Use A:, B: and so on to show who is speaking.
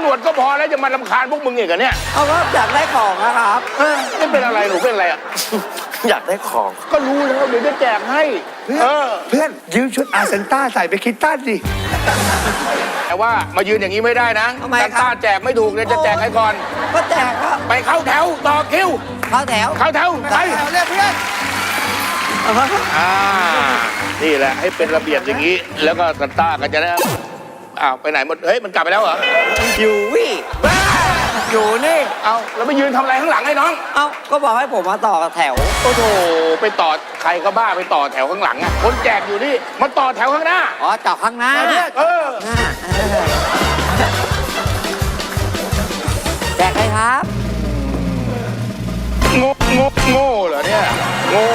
A: วจก็พอแล้วจะมารำคาญพวกมึงอีกเหรอเนี่ย
B: เอาก็อยากได้ของนะครับ
A: นี่เป็นอะไรหนูเป็นอะไรอ่ะ
C: อยากได้ของ
A: ก็รู้แล้วเดี๋ยวจะแจกให้
D: เพื่อนยืมชุดอาเซนต้าใส่ไปคิดต้านดิ
A: แต่ว่ามายืนอย่างนี้ไม่ได้นะ
B: ทำไมครับ
A: ซานต้าแจกไม่ถูกเลยจะแจกให้ก่อน
B: ก็แจกก็
A: ไปเข้าแถวต่อคิว
B: เข้าแถว
A: เข้าแถวไป
B: เรียกเพื่อน
A: นี่แหละให้เป็นระเบียบอย่างนี้ แล้วก็ซานต้าก็จะได้อ้าวไปไหนหมดเฮ้ยมันกลับไปแล้วเหรอ
B: อยู่วิบ้าอยู่นี่
A: เอาแล้วไปยืนทำอะไรข้างหลังไอ้น้อง
B: เอ้าก็บอกให้ผมมาต่อแถว
A: โอ้โหไปต่อใครก็บ้าไปต่อแถวข้างหลังอ่ะคนแจกอยู่นี่มาต่อแถวข้างหน้า
B: อ๋อจอดข้างหน้า
A: เออ
B: แจกเลยครับ
A: โง่เหรอเนี่ย